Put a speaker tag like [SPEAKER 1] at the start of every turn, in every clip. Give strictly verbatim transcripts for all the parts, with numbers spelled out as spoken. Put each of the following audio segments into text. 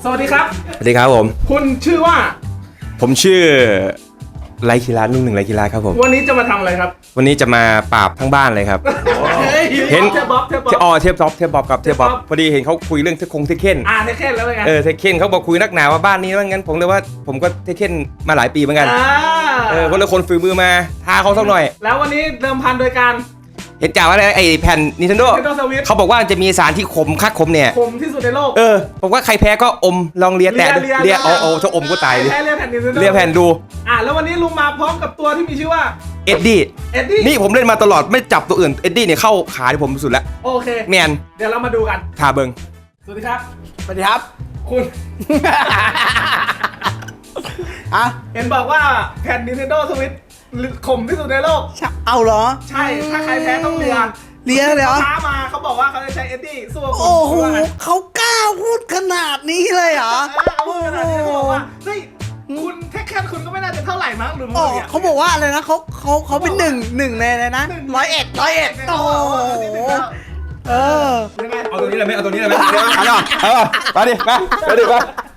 [SPEAKER 1] สวัสดีครับ
[SPEAKER 2] สวัสดีครับผม
[SPEAKER 1] คุณชื่อว่า
[SPEAKER 2] ผมชื่อไรคีรานุ่งหนึ่งไรคีราครับผม
[SPEAKER 1] วันนี้จะมาทำอะไรครับ
[SPEAKER 2] วันนี้จะมาปราบทั้งบ้านเลยครับ
[SPEAKER 1] เห็นเทปบ๊อบเทปบ๊อบ
[SPEAKER 2] อ๋อเทปบ๊อบเทปบ๊อบกับเทปบ๊อบพอดีเห็นเขาคุยเรื่องเทคงเทคเคน
[SPEAKER 1] อ่าเทคเคนแล้วเป็นไง
[SPEAKER 2] เออเทคเคนเขาบอกคุยนักหนาว่าบ้านนี้ว่างั้นผมเลยว่าผมก็เทคเคนมาหลายปีเหมือนกันเออคนละคนฝีมือมาท้าเขาสักหน่อย
[SPEAKER 1] แล้ววันนี้เดิมพันโดยการ
[SPEAKER 2] เห็นจ่าว่าไอ้แผ่น Nintendo เขาบอกว่าจะมีสารที่ขมคักขมเนี่ย
[SPEAKER 1] ขมที่สุดในโลก
[SPEAKER 2] เออผมว่าใครแพ้ก็อมลองเลียแตะเลียเอาเอาถ้าอมก็ตายเลย
[SPEAKER 1] เลียแผ่น Nintendo
[SPEAKER 2] เลียแผ่นดู
[SPEAKER 1] อ่ะแล้ววันนี้ลุงมาพร้อมกับตัวที่มีชื่อว่า
[SPEAKER 2] เอ็ดดี้
[SPEAKER 1] เอ็ดดี้
[SPEAKER 2] นี่ผมเล่นมาตลอดไม่จับตัวอื่นเอ็ดดี้เนี่ยเข้าขาที่ผมสุดแล้ว
[SPEAKER 1] โอเค
[SPEAKER 2] แมน
[SPEAKER 1] เดี๋ยวเรามาดูกัน
[SPEAKER 2] ทาเบิง
[SPEAKER 1] สวัสดีครับ
[SPEAKER 3] สวัสดีครับ
[SPEAKER 1] คุณ
[SPEAKER 3] อะ
[SPEAKER 1] เห็นบอกว่าแผ่น Nintendo Switch ขมที่สุดในโลก
[SPEAKER 3] เอาเหรอ
[SPEAKER 1] ใช่ถ้าใครแพ้ต้องเลีย
[SPEAKER 3] เลียเลยเหรอ
[SPEAKER 1] ท้ามาเขาบอกว่าเขาจะใช้เอ็ดดี้สู้กับคุณ
[SPEAKER 3] โอ้โหเขากล้าพูดขนาดนี้เลยเหรอ
[SPEAKER 1] เอาพูดขนาดนี้บอกว่าเฮ้ยคุณเทคแคนคุณก็ไม่น่าจะเท่าไหร่มั้งหรือ
[SPEAKER 3] มั้งเขาบอกว่าอะไรนะเขาเขาเขาเป็นหนึ่งหนึ่งในเลยนะร้อยเอ็ดร้อยเอ็ดโอ้โหเออ
[SPEAKER 2] เอาตัวนี้เลยไหมเอาตัวนี้เลยไหมเอาเอาเอามาดิมามาดิมา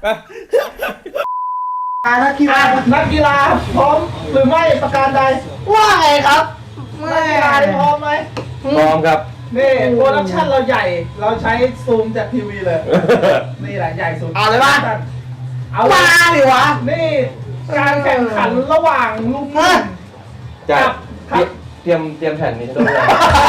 [SPEAKER 1] นักกีฬานักกีฬาพร้อมหรือไม่ประการใด
[SPEAKER 3] ว่าไงครับ
[SPEAKER 1] นักกีฬาพร้อมไหม
[SPEAKER 2] พร้อมครับ
[SPEAKER 1] นี่โปรดักชั่นเราใหญ่เราใช้ซูมจากทีวีเลยนี่แหละใหญ่สุด
[SPEAKER 3] เอาเลยป่ะ
[SPEAKER 1] เอา
[SPEAKER 3] มาดิวะ
[SPEAKER 1] นี่การแข่งขันระหว่างลุง
[SPEAKER 2] กับเตรียมเตรียมแผ่นนี้ด้วย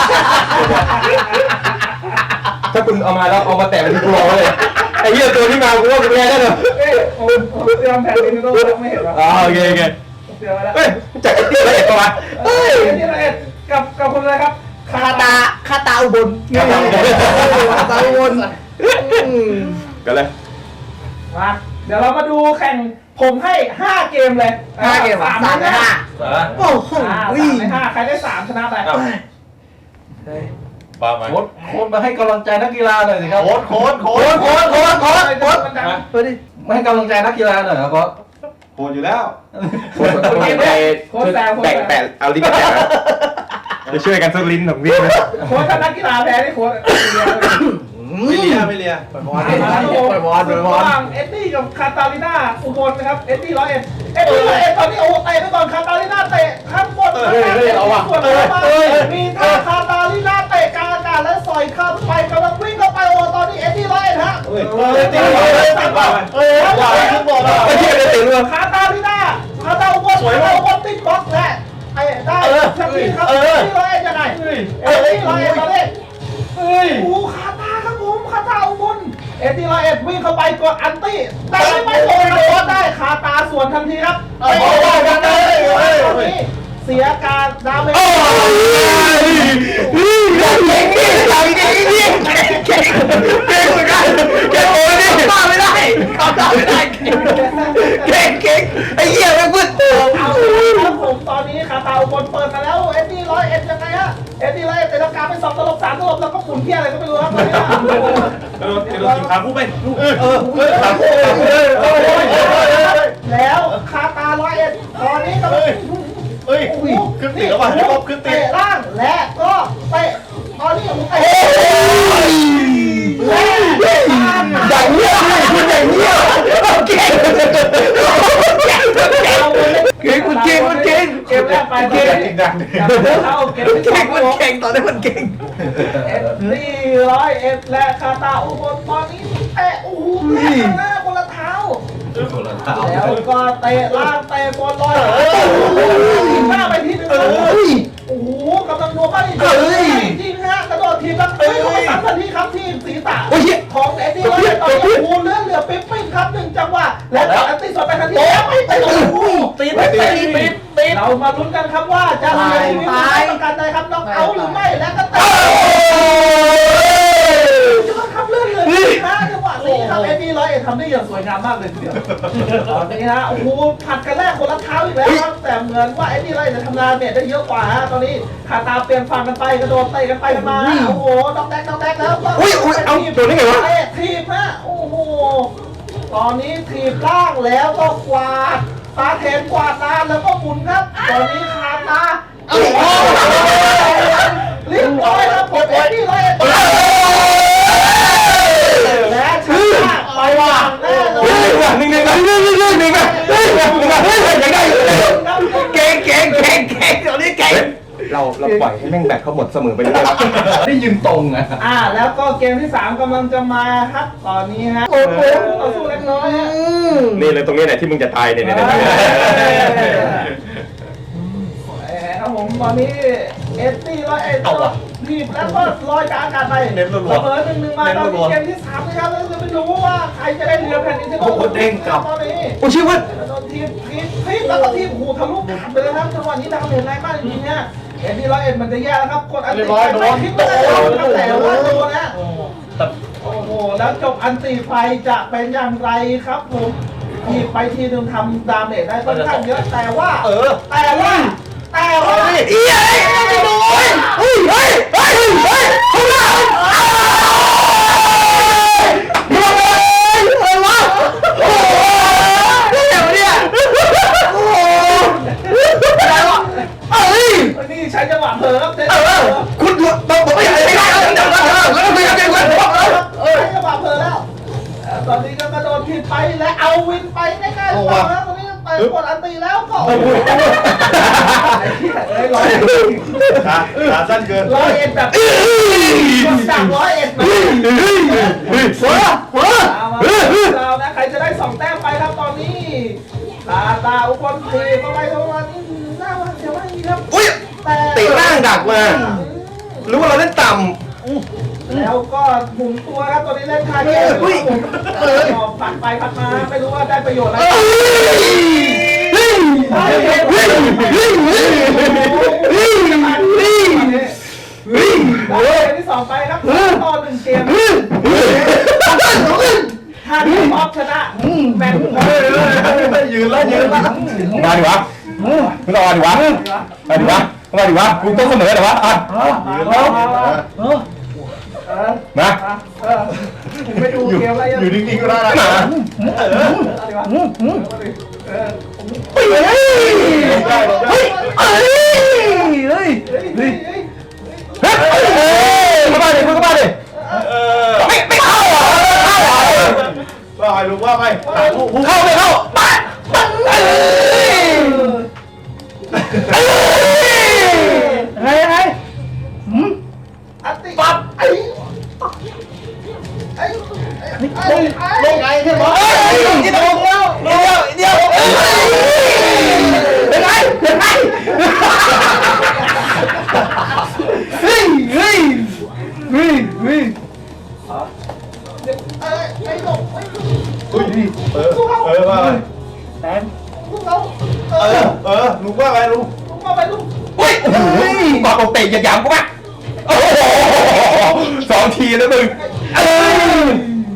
[SPEAKER 2] ถ้าคุณเอามาแล้วเอามาแตะเป็นตัวเลยไอ้เหี้ยตัวที่มากูว่ากูแพ้ได้เลย
[SPEAKER 1] เอ้ยเตรียมแผ่นนี้ด้วยไม่เห็นหรอ
[SPEAKER 2] อ๋อโอเคโอเค
[SPEAKER 1] เตรียมไว้แล้ว
[SPEAKER 2] เฮ้ยจากไอ้ที่ละเอียดป่ะ
[SPEAKER 1] เฮ้ยไอ้ที่ละเอียดกับกับคนอะไรครับ
[SPEAKER 3] คาตาคาตาอุบลคาตาอุบลคาตาอุบล
[SPEAKER 2] กันเลย
[SPEAKER 1] มาเดี๋ยวเรามาดูแข่งผมให้ห้าเกมเลย
[SPEAKER 3] ห้าเกม
[SPEAKER 1] สาม
[SPEAKER 3] ในห้าโอ้โห
[SPEAKER 1] สามในห้าใครได้สามชนะไป
[SPEAKER 2] บ้าไหม
[SPEAKER 1] โค้ชโค้ชมาให้กำลังใจนักกีฬาหน่อยสิครับ
[SPEAKER 2] โค้ชโค้ชโค้ช
[SPEAKER 1] โค้ชโค้ชโค้ชโค้ชเฮ้ยดิ
[SPEAKER 3] มาให้กำลังใจนักกีฬาหน่อยครับโค้ช
[SPEAKER 2] โค้ชอยู่แล้วโค้ชโค้ชไปแบ่งแปดเอาลิ้นแปดจะช่วยกันสักลิ้นหนึ่งวิ่งนะ
[SPEAKER 1] โค้ชถ้านักกีฬาแพ้นี่โค้ช
[SPEAKER 2] ไม่เลียไม่เลีย
[SPEAKER 1] ปล่อยบอลปล่อยบอลปล่อยบอลระหว่างเอ็ดดี้กับคาตาลิน่าอุบลนะครับเอ็ดดี้ร้อยเอ็ดเอ็ดดี้ร้อยเอ็ดตอนนี้โอ้เตะไปก่อนคาตาลิน่าเตะข้างบนข้างล่างเตะส่วนมามีท่าคาตาลิน่าเตะกลางอากาศและสอยข้ามไปกำลังวิ่งเข้าไปโอ้ตอนนี้เอ็ดดี้ร้อยเอ็ดฮะเฮ้ยเอ็ดดี้ร้อยเอ็ดตัดบอลเฮ้ยว่าขึ้นบอลไม่ใช่เลยเตะเรือคาตาลิน่าคาตาอุบลคาตาอุบลติดบล็อกแหละไอ้ได้ทันทีครับเอ็ดดี้ร้อยเอ็ดยังไงเอ็ดดี้ร้อยเอ็ดตอนนี้เฮ้ยโอ้คาตาครับผมคาตาอุบลเอ็ดดี้ร้อยเอ็ดวิ่งเข้าไปกดอันตี้แต่ไม่โดนโดนได้คาตาสวนทันทีครับไม่โดนกันเลยตอนนี้เสียการดาเมจ
[SPEAKER 3] เก่งดิเก่งดิเก่งเก่งเก่งเหมือนกันเก่งโอ้ยนี่ตามไม่ได้ตามไม่ได้เก่งเก่งไอ้เหี้ยมันพึ่ง
[SPEAKER 1] เอาครับผมตอนนี้คาตาอุบลเปิดมาแล้วเอ็ดดี้ร้อยเอ็ดยังไงฮะเอ็ดดี้ร้อยเอ็ดเตะลังกาไปสองตลบสามตลบแล้วก็หมุนเที่ยอะไรก็ไม่รู้ครับตอนนี้
[SPEAKER 2] กระโดดกระโดดขาคู่ไปเออเออ
[SPEAKER 1] ขาคู่แล้วคาตาร้อยเอ็ดตอนนี้ก็
[SPEAKER 2] เฮ้ยขึ้นตีแล้วว่ะจะบขึ้นตี
[SPEAKER 1] เตะล่างและก็เตะตอนนี้เตะและ
[SPEAKER 3] อย่างเงี้ยคุณอย่างเงี้ยเก่งเก่งเก่งคุณเก่งคุณเก่ง
[SPEAKER 1] เกมแรกไปเก่งจริงจังเขาเกมที่สอง
[SPEAKER 3] มันเก่งตอนนี้มันเก่ง
[SPEAKER 1] เอ็ดดี้ร้อยเอ็ดและคาตาอุบลตอนนี้เตะโอ้โหแม่หน้าคนละเท้าแล้วก็เตะล่างเตะบอลลอยทีหน้าไปทีนึงโอ้โหกำลังนัวไปจริงฮะกระโดดทีแล้วเตะเข้าไปสามนาทีครับที่ศีรษะของเอ็ดดี้ร้อยเอ็ดตอนนี้โอ้โหเลือดเหลือปิ๊บปิ๊บครับหนึ่งจังหวะและอันตีสดไปทันทีแล้วไม่ไปโอ้โหตีไปตีปิดปิดเรามาลุ้นกันครับว่าจะเสียชีวิตประกันใดครับน็อกเอาหรือไม่และก็เตะจะมาขับเลื่อนเลยนะจังหวะนี้ครับเอ็ดดี้ร้อยเอ็ดทำได้อย่างสวยงามมากเลยทีเดียวตอนนี้ฮะโอ้โหผัดกันแรกคนละเท้าอีกแล้วครับแต่เหมือนว่าเอ็ดดี้ร้อยเอ็ดจะทำงานเนี่ยได้เยอะกว่าฮะตอนนี้ขาตาเปลี่ยนฝั่งกันไปกระโดดเตะกันไปกันมาโอ้โหน้องแดกน้องแดกแล้ว
[SPEAKER 2] อุ้ยอุ้ยเอาโดนได้ไงวะ
[SPEAKER 1] ทีบฮะโอ้โหตอนนี้ทีบล่างแล้วก็กวาดตาเทนกวาดตาแล้วก็หมุนครับตอนนี้ขาตาโอ้โหเรียบร้อยแล้วผมเอ็ดดี้ร้อยเอ็ดและชนะไปว่างแน่
[SPEAKER 3] อ่ะหนึ่งหนึ่งหนึ่งหนึ่งหนึ่งหนึ่งหนึ่งอ่ะเฮ้ยหนึ่งอ่ะเฮ้ยยังได้อยู่เก่งเก่งเก่งเก่งตอนนี้เก่งเราเราปล่อยให้แม่งแบตเขาหมดเสมอไปเลยได้ยืนตรงอ่ะ
[SPEAKER 1] อ่าแล้วก็เกมที่สามกำลังจะมาครับตอนนี้ฮะโอ้โหต่อสู้เล็กน้อยฮะ
[SPEAKER 3] นี่เลยตรงนี้แหละที่มึงจะตายเนี่ยเนี่ย
[SPEAKER 1] ครับผมตอนนี้เอสตี้ร้อยเอ็ดทีบแล้วก็ลอยกลางอากาศไปเสมอหนึ่งหนึ่งมาตอนนี้เกมที่สามนะครับแล้วจะไม่รู้ว่าใครจะได้เรือแผ่นดินที่โดนเด้งกลับตอนนี้
[SPEAKER 3] โอ้ชื่อว่า
[SPEAKER 1] โดนทีมทีมทีมแล้วก็ทีมหูทะลุขาดไปเลยครับจังหวะนี้ดาวเห็นแรงมากจริงๆเนี่ยเอสตี้ร้อยเอ็ดมันจะแย่แล้วครับกดอันตีไปคิดว่าจะโดนตั้งแต่ว่าโดนนะโอ้โหแล้วจบอันตีไฟจะเป็นอย่างไรครับผมทีไปทีนึงทำดาเมจได้ค่อนข้างเยอะแต่ว่าเออแต่ว่าแต่ว่า
[SPEAKER 3] เฮ้ยไม่โดนเฮ้ยเฮ้ยเฮ้ยเฮ้ยเฮ้ยเขาหน้าโดนเลยอะไรวะโอ้โหเดี๋ยวเนี่ยโอ้โหอะไรวะเฮ้ย
[SPEAKER 1] นี่ใช้จังหวะเผลอครับเจ๊
[SPEAKER 3] เออคุณบอกบอกไม่ได้ไม่ได้แล้วเดี๋ยวเออแล้วก็ไม่ได้ไม่ได้
[SPEAKER 1] เออใช้จังหวะเผลอแล้วตอนนี้ก็กระโดดผิดไปและเอาวินไปง่ายๆต่อแล้วตอนนี้ไปกดอันตีแล้วก็โอ้โหร้อย
[SPEAKER 4] ขาขาสั้นเกิน
[SPEAKER 1] ร้อยเอ็ดแบบจากร้อยเอ็ดมา
[SPEAKER 3] หัวหัว
[SPEAKER 1] เรานะใครจะได้สองแต้มไปครับตอนนี้ตาตาอุปนเทเข้าไปตรงนี้หน้าว่าเดี๋ยวว่าอีกครับ
[SPEAKER 3] อุ้ย
[SPEAKER 1] แต่
[SPEAKER 3] ตีร่างดักมารู้ว่าเราเล่นต่ำ
[SPEAKER 1] แล้วก็หมุนตัวครับตอนนี้เล่นคาเกมเออผัดไปผัดมาไม่รู้ว่าได้ประโยชน์อะไร
[SPEAKER 3] เฮ้ยเฮ้ยเฮ้ยเฮ้ยเฮ้ยเฮ้ยเฮ้ยเฮ้ยเฮ้ย
[SPEAKER 1] เกมที่สองไปครับต่อหนึ่งเกมถ้าทีมออฟชนะแมน
[SPEAKER 4] ยืนแล้วยืนแล้ว
[SPEAKER 3] มาดิวะมึงต้องมาดิวะมาดิวะมาดิวะกูต้องเสมอเหรอวะอ่ะ
[SPEAKER 4] ยืนแล้ว
[SPEAKER 3] มา
[SPEAKER 1] ไม่ดูเกมอะไร
[SPEAKER 4] อยู่นิ่งๆก็ได้นะ
[SPEAKER 3] มา
[SPEAKER 1] เออ
[SPEAKER 3] เฮ้ยเฮ้ยเฮ้ยเฮ้ยเฮ้ย
[SPEAKER 1] เฮ้ย
[SPEAKER 3] เฮ้ยเข้ามาดิมึงเข้ามาดิ
[SPEAKER 4] เออ
[SPEAKER 3] ไม่ไม่เข้าเหรอเข้าเหรอ
[SPEAKER 4] ว่าไปลุงว่าไป
[SPEAKER 3] เข้าไม่เข้าปะปังเอ้ยเอ้ยเฮ้ยเฮ้ยหืม
[SPEAKER 1] อัติปั๊บไอ้ไอ้ไอ้ไอ้
[SPEAKER 4] ลงไงใช่ไหม
[SPEAKER 3] เฮ้ยนี่ตรงแล้วเดียวเดียวเอ้ยเป็นไงเป็นไงเฮ้ยเฮ้ยเฮ้ยเฮ้ย
[SPEAKER 1] ไอ้ไอ้หลบไอ้
[SPEAKER 4] อุ้ยเออเออว่าไป
[SPEAKER 3] แตน
[SPEAKER 1] ลูกเราเอ
[SPEAKER 4] เอ
[SPEAKER 1] อ
[SPEAKER 4] อเออลุงว่าไปลุง
[SPEAKER 1] ลูกมาไปลูก
[SPEAKER 3] เฮ้ยบอกเอาเตะอย่าหยามกูป่ะโอ้โหสองทีแล้วมึงเอ้ย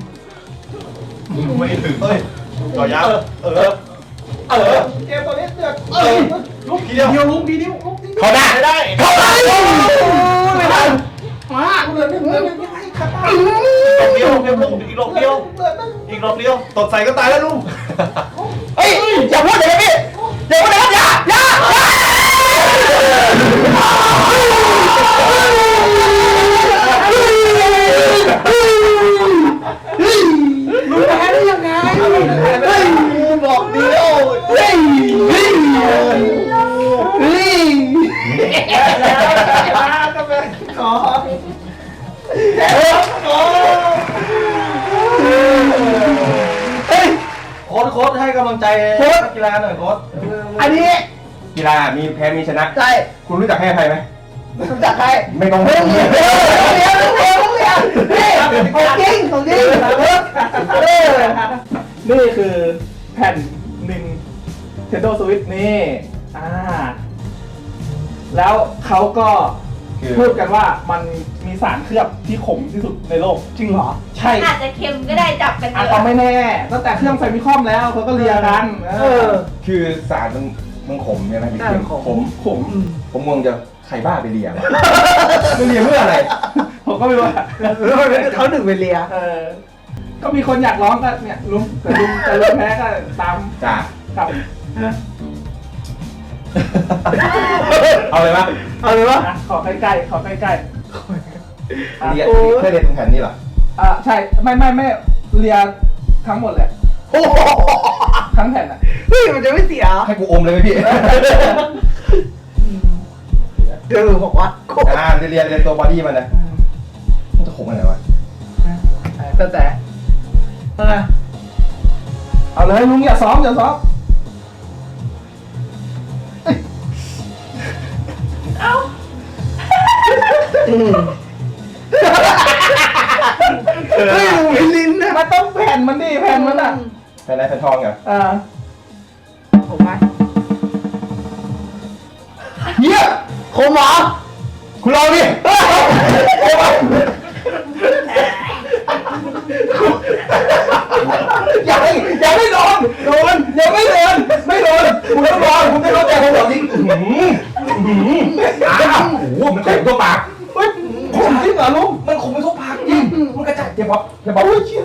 [SPEAKER 4] ไม่ถึงเอ้ยต่อยาวเออเออ
[SPEAKER 1] เกมตัวนี้เดือด
[SPEAKER 4] เออลุงทีเดียว
[SPEAKER 1] เดียวลุกดีเดียวลุกดี
[SPEAKER 3] เขาได้ได้เขาได้ไม่ทัน
[SPEAKER 1] มาเหลือหนึ่งเหลือหนึ่งยังไงขัดตา
[SPEAKER 4] ดอกเดียวเดียวลุงอีกดอกเดียว
[SPEAKER 1] เหลือหนึ่ง
[SPEAKER 4] อีกดอกเดียวตดใส่ก็ตายแล้วลุง
[SPEAKER 3] เฮ้ยอย่าพูดอย่างนี้อย่าพูดอย่างนี้อย่าอย่าลุงแพ้ได้ยังไงเฮ้ยบอกเดียวเฮ้ยเฮ้ยเฮ้ย
[SPEAKER 1] แล้วมาก็เป็นขอขอ
[SPEAKER 3] เฮ้ย
[SPEAKER 4] โค้ดโค้ดให้กำลังใจนักกีฬาหน่อยโค้ด
[SPEAKER 3] อันนี้กีฬามีแพ้มีชนะใช่คุณรู้จักให้อภัยไหม
[SPEAKER 1] รู้จักใคร
[SPEAKER 3] ไม่ต้องไม่ต้องเรียนเรียนเรียนเรียนนี่ของจริงของจริงเออ
[SPEAKER 1] นี่คือแผ่นหนึ่ง Nintendo Switch นี่อ่าแล้วเขาก็พูดกันว่ามันมีสารเคลือบที่ขมที่สุดในโลกจริงเหรอ ใช่
[SPEAKER 5] อาจจะเค็มก็ได้จับกันเย
[SPEAKER 1] อาจ
[SPEAKER 5] อะ
[SPEAKER 1] จะไม่แน่ตั้งแต่เครื่องไฟมิคอมแล้วเขาก็เรียกันเออ
[SPEAKER 3] คือสารมันมันขมใช่ไหมขม
[SPEAKER 1] ขม
[SPEAKER 3] ผมมองจะใครบ้าไปเลียไม่เลียเพื่ออะไร
[SPEAKER 1] ผมก็ไม่รู้อะ
[SPEAKER 6] เขาหนึ่งไปเลีย
[SPEAKER 1] เออก็มีคนอยากร้องก็เนี่ยลุงแต่ลุงแต่ลุงแพ้ก็ตาม
[SPEAKER 3] จ้า
[SPEAKER 1] กับ
[SPEAKER 3] เอาเลยปะ
[SPEAKER 6] เอาเลยวะ
[SPEAKER 1] อ่ะขอใกล้ๆขอใกล้ๆอ่ะ
[SPEAKER 3] เลียเพื่อเลียตรงแผ่นนี้เหรอ
[SPEAKER 1] อ่ะใช่ไม่ไม่ไม่เรียทั้งหมดเลย
[SPEAKER 3] โอ้โห
[SPEAKER 1] ทั้งแผ่นอ่ะ
[SPEAKER 6] เฮ้ยมันจะไม่เสีย
[SPEAKER 3] ให้กูอมเลยไหมพี่
[SPEAKER 6] เดี๋ยวบอกว่าโคตร
[SPEAKER 3] อ่าเรียนเรียนตัวบอดี้มันนะมันจะขมอะไรวะ
[SPEAKER 1] แต่แต่เอาไงเอาเลยลุงอย่าซ้อมอย่าซ้อม
[SPEAKER 6] เฮ้ยมึงไม่ลิ้นนะ
[SPEAKER 1] มันต้องแผ่นมันดิแผ่นมันอ่ะ
[SPEAKER 3] แผ่นไหนแผ่นทองเหรอ
[SPEAKER 1] อ่า
[SPEAKER 6] ผมไหม
[SPEAKER 3] เฮียขมเหรอคุณลองดิโอ้ยอย่าให้อย่าให้โดนโดนอย่าไม่โดนไม่โดนคุณต้องลองคุณไม่เข้าใจผมหรอกจริงอื้อหืออื้อหืออ้าวโอ้โหมันเต็มตัวปาก
[SPEAKER 1] เฮ้ยผมจริงเหรอลุง
[SPEAKER 3] มันขมไปทั่วปากจริงมันกระจายเดี๋ยวบอกเดี๋ยวบอกอุ้ยเชี่ย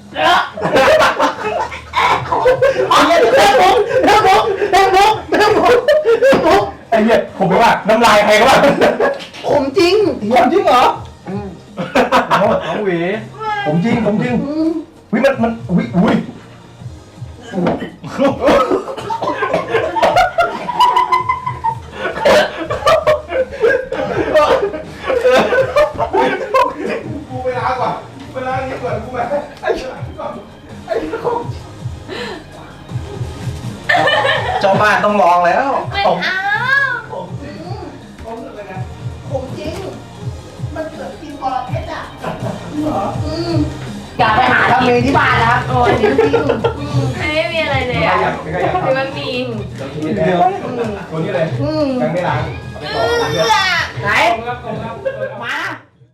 [SPEAKER 3] เอาเงี้ยเรื่องผมเรื่องผมเรื่องผมเรื่องผมเรื่องผมไอ้เหี้ยผมไม่ว่าน้ำลายใครก็ว่า
[SPEAKER 6] ผมจริง
[SPEAKER 1] ผมจริงเหรอ
[SPEAKER 3] เอาเอาหวีผมจริงผมจริงวิมันมันวิอุ้ยกูไปล้างก่อนไปล้างนี้ก่อนกูแบบไอ้เจ้าไอ้ของเจ้าบ้านต้องลองแล้ว
[SPEAKER 5] ไม่เอา
[SPEAKER 1] ผมจริงผมอะไรไง
[SPEAKER 6] ผมจริง มันเกิดกินบอลเพชรอ่ะ
[SPEAKER 1] เหรอ
[SPEAKER 6] อย่าไปหาทำเองที่บ้านนะครับ
[SPEAKER 5] โอ้ยจริงจริงไม่มีอะไรเลยอ่ะ
[SPEAKER 3] ไม่ขยับ
[SPEAKER 5] หรือมันมี
[SPEAKER 3] เดียวตัวนี้เลยยังไม่ล้างเอาไปต่อเรื่อย
[SPEAKER 6] ไหน
[SPEAKER 1] ตรงครับตรงครับ
[SPEAKER 6] มา